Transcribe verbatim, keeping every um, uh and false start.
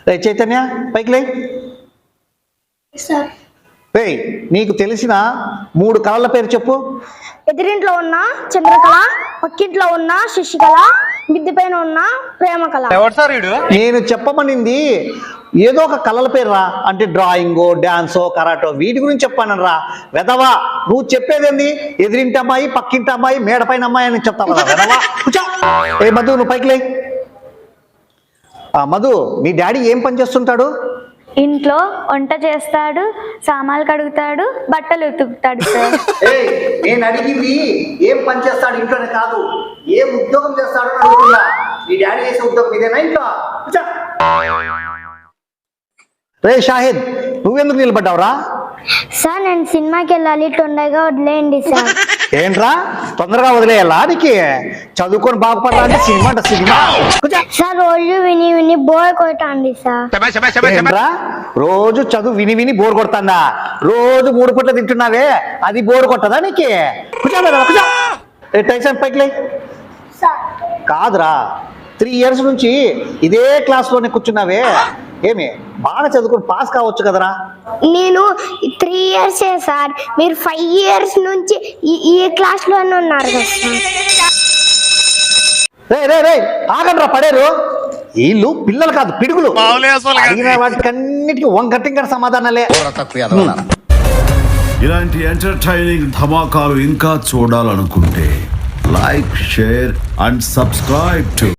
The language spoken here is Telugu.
రే చైతన్య పైకి లే. రే నీకు తెలిసిన మూడు కళల పేరు చెప్పు. ఎదురింట్లో ఉన్న చంద్రకళ, పక్కింట్లో ఉన్న శశికళ, మిద్ది పైన ఉన్న ప్రేమ కళ. నేను చెప్పమనింది ఏదో ఒక కళల పేరు రా, అంటే డ్రాయింగో డాన్సో కరాటో వీటి గురించి చెప్పాను రా. వెదవా నువ్వు చెప్పేదేంది ఎదిరింటి అమ్మాయి పక్కింటి అమ్మాయి మేడ పైన అమ్మాయి అని చెప్తావు కదా వెదవా. కూర్చో. ఏ మధు నువ్వు పైకి లే. మధు మీ డాడీ ఏం పని చేస్తుంటాడు? ఇంట్లో వంట చేస్తాడు, సామాన్లు కడుగుతాడు, బట్టలు ఉతుకుతాడు సార్. నేను అడిగింది ఏం పని చేస్తాడు ఇంట్లోనే కాదు, ఏం ఉద్యోగం చేస్తాడు అని అడుగుతున్నా. నీ డాడీ చేసే ఉద్యోగం ఇదేనా ఇంట్లో? రే షాహిద్ నువ్వెందుకు నిలబడ్డావురా? సార్ నేను సినిమాకి వెళ్ళాలి, తొందరగా వదిలేయండి సార్. ఏంట్రా తొందరగా వదిలేయాలా? నీకు చదువుకొని బాగుపడాలా అంటే సినిమా అంట సినిమా. సార్ రోజు విని విని బోర్ కొట్టండి సార్. ఏంట్రా రోజు చదువు విని విని బోర్ కొడతాందా? రోజు మూడు పూట్ల తింటున్నావే అది బోర్ కొట్టదా నీకు? టైసన్ పైకి లే. కాదురా త్రీ ఇయర్స్ నుంచి ఇదే క్లాస్ లోనే కూర్చున్నావే, ఏమి బాగా చదువుకుని పాస్ కావచ్చు కదరా? నేను త్రీ ఇయర్స్ సార్, మీరు ఫైవ్ ఇయర్స్ నుంచి ఈ క్లాస్ లోనే ఉన్నారు కదా సార్. రే రే రే ఆగండ్రా పడేరు. వీళ్ళు పిల్లలు కాదు పిడుగులు. అడిగిన వాటికన్నిటికీ వంకటింకర సమాధానాలే. ఇలాంటి ఎంటర్టైనింగ్ ధమాకాలు ఇంకా చూడాలనుకుంటే like share and subscribe to